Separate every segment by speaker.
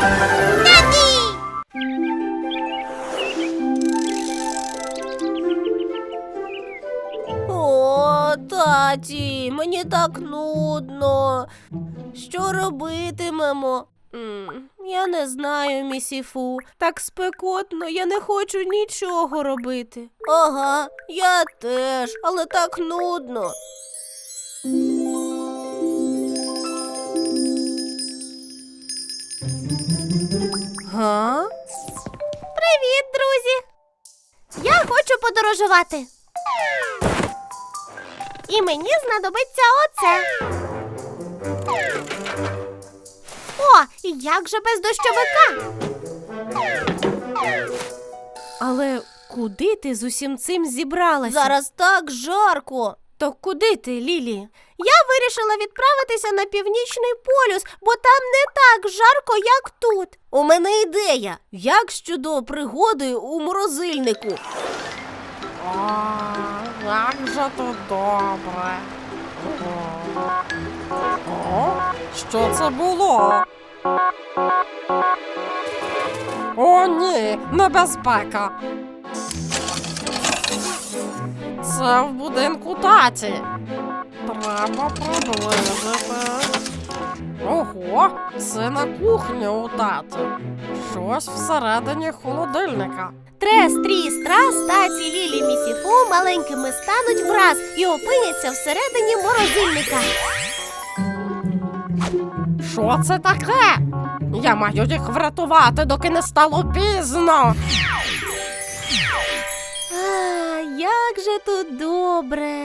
Speaker 1: О, таті, мені так нудно. Що робитимемо? Я не знаю, місіфу. Так спекотно, я не хочу нічого робити. Ага, я теж, але так нудно. Га? Привіт, друзі! Я хочу подорожувати. І мені знадобиться оце. О, як же без дощовика? Але куди ти з усім цим зібралася? Зараз так жарко. То куди ти, Лілі? Я вирішила відправитися на Північний полюс, бо там не так жарко, як тут. У мене ідея. Як щодо пригоди у морозильнику?
Speaker 2: Як же тут добре. Що це було? О, ні, небезпека. Це в будинку таті. Треба приблизити. Ого, це на кухні у таті. Щось всередині холодильника.
Speaker 1: Трес, тріс, трас, таті, Лілі, місіфу маленькими стануть враз і опиняться всередині морозильника.
Speaker 2: Що це таке? Я маю їх врятувати, доки не стало пізно.
Speaker 1: Як же тут добре.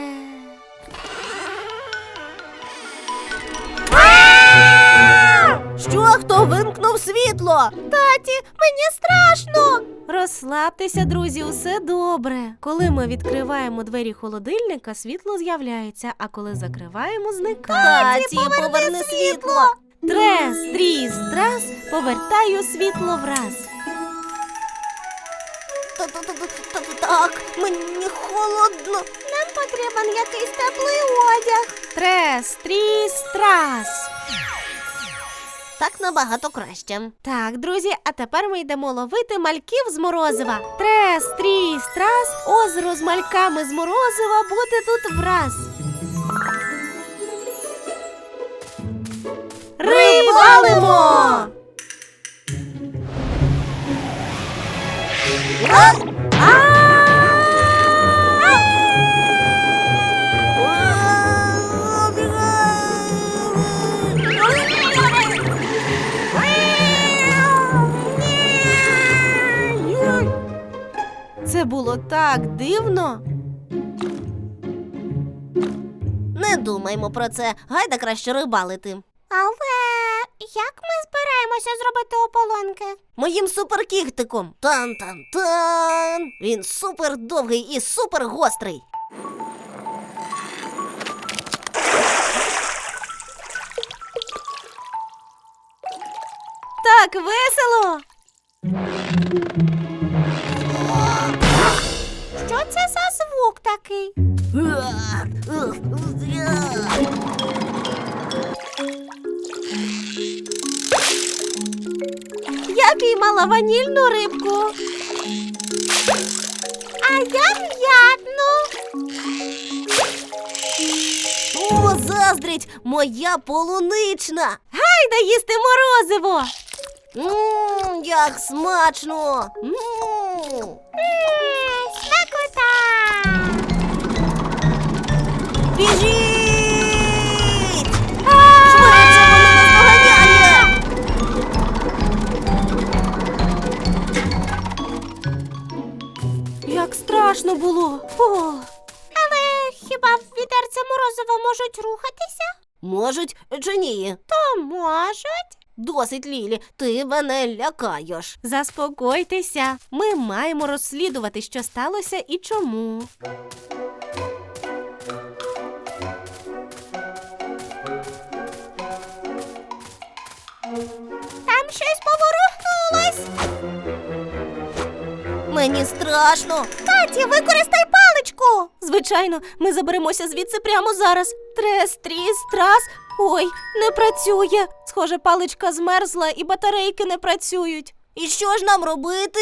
Speaker 1: Що, хто вимкнув світло? Таті, мені страшно. Розслабтеся, друзі, усе добре. Коли ми відкриваємо двері холодильника, світло з'являється, а коли закриваємо, зникає. Таті, поверни світло. Трес, тріс, трас, повертаю світло враз. Так, мені холодно. Нам потрібен якийсь теплий одяг. Трес, тріс, трас. Так набагато краще. Так, друзі, а тепер ми йдемо ловити мальків з морозива. Трес, тріс, трас, озеро з мальками з морозива буде тут враз. Рибалимо! Це було так дивно. Не думаймо про це. Гайда краще рибалити. Але як ми збираємося зробити ополонки? Моїм суперкіхтиком. Тан-тан-тан. Він супер довгий і супер гострий. Так весело. Що це за звук такий? Я піймала ванільну рибку. А я м'ятну. О, заздрить, моя полунична. Гайда їсти морозиво. Як смачно. Смакота. Біжіть! Швидше, воно нас доганяє! Як страшно було. Але хіба в відерці морозиво можуть рухатися? Можуть чи ні? То можуть. Досить, Лілі, ти мене лякаєш. Заспокойтеся. Ми маємо розслідувати, що сталося і чому. Там щось поворухнулось. Мені страшно. Таті, використай паличку. Звичайно, ми заберемося звідси прямо зараз. Трес, тріс, трас. Ой, не працює. Схоже, паличка змерзла і батарейки не працюють. І що ж нам робити?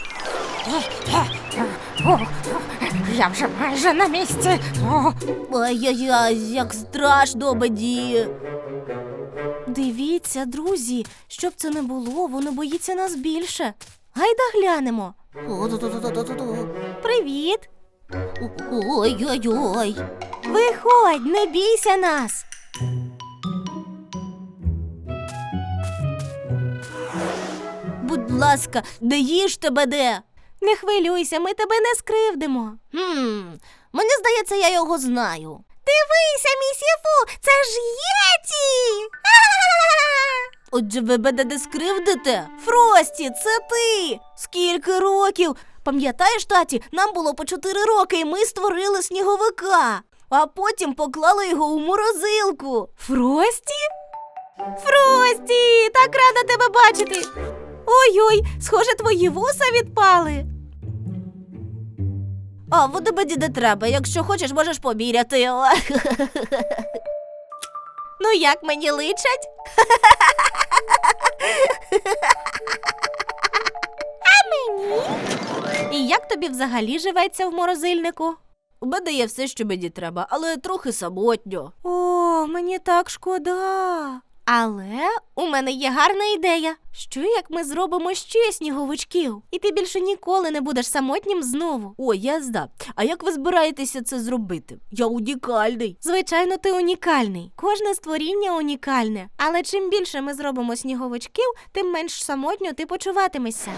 Speaker 2: Я вже майже на місці. О,
Speaker 1: Ай-яй-яй, як страшно мені. Дивіться, друзі, щоб це не було, воно боїться нас більше. Гайда глянемо. Привіт. Ой-ой-ой. Виходь, не бійся нас. Будь ласка, не їжте мене. Не хвилюйся, ми тебе не скривдимо. Мені здається, я його знаю. Дивися, місіфу, це ж Єті! Отже, ви мене не скривдите? Фрості, це ти! Скільки років? Пам'ятаєш, таті, нам було по 4 роки, і ми створили сніговика. А потім поклали його у морозилку. Фрості? Фрості, так рада тебе бачити. Ой-ой, схоже, твої вуса відпали. А, води мені не треба. Якщо хочеш, можеш поміряти. Ну, як мені личать? А мені? І як тобі взагалі живеться в морозильнику? У мене є все, що мені треба, але трохи самотньо. О, мені так шкода. Але у мене є гарна ідея. Що як ми зробимо ще сніговичків? І ти більше ніколи не будеш самотнім знову. О, я знаю. А як ви збираєтеся це зробити? Я унікальний. Звичайно, ти унікальний. Кожне створіння унікальне. Але чим більше ми зробимо сніговичків, тим менш самотньо ти почуватимешся.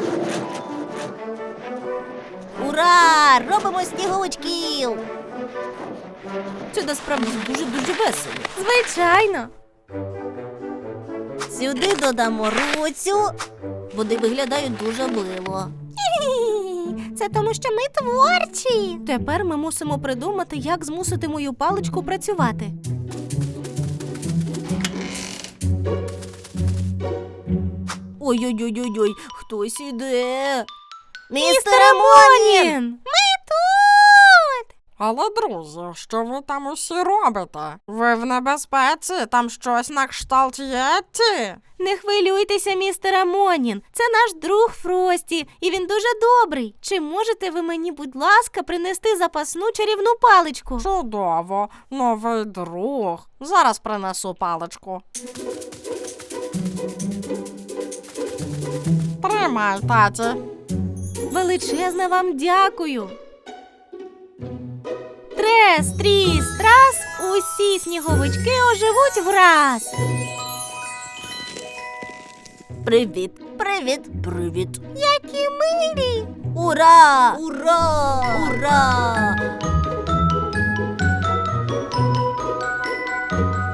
Speaker 1: Ура! Робимо сніговичків! Це насправді дуже-дуже весело. Звичайно. Сюди додамо руцю. Вони виглядають дуже мило. Це тому, що ми творчі. Тепер ми мусимо придумати, як змусити мою паличку працювати. Ой-ой-ой-ой, хтось іде. Містер Монін! Ми тут!
Speaker 2: але, друзі, що ви там усі робите? Ви в небезпеці? Там щось на кшталт Єтті?
Speaker 1: Не хвилюйтеся, містер Монін. Це наш друг Фрості, і він дуже добрий. Чи можете ви мені, будь ласка, принести запасну чарівну паличку?
Speaker 2: Чудово, новий друг. Зараз принесу паличку. Тримай, таті.
Speaker 1: Величезне вам дякую. Трес, тріс, трас, усі сніговички оживуть враз. Привіт, привіт, привіт. Які милі! Ура! Ура! Ура!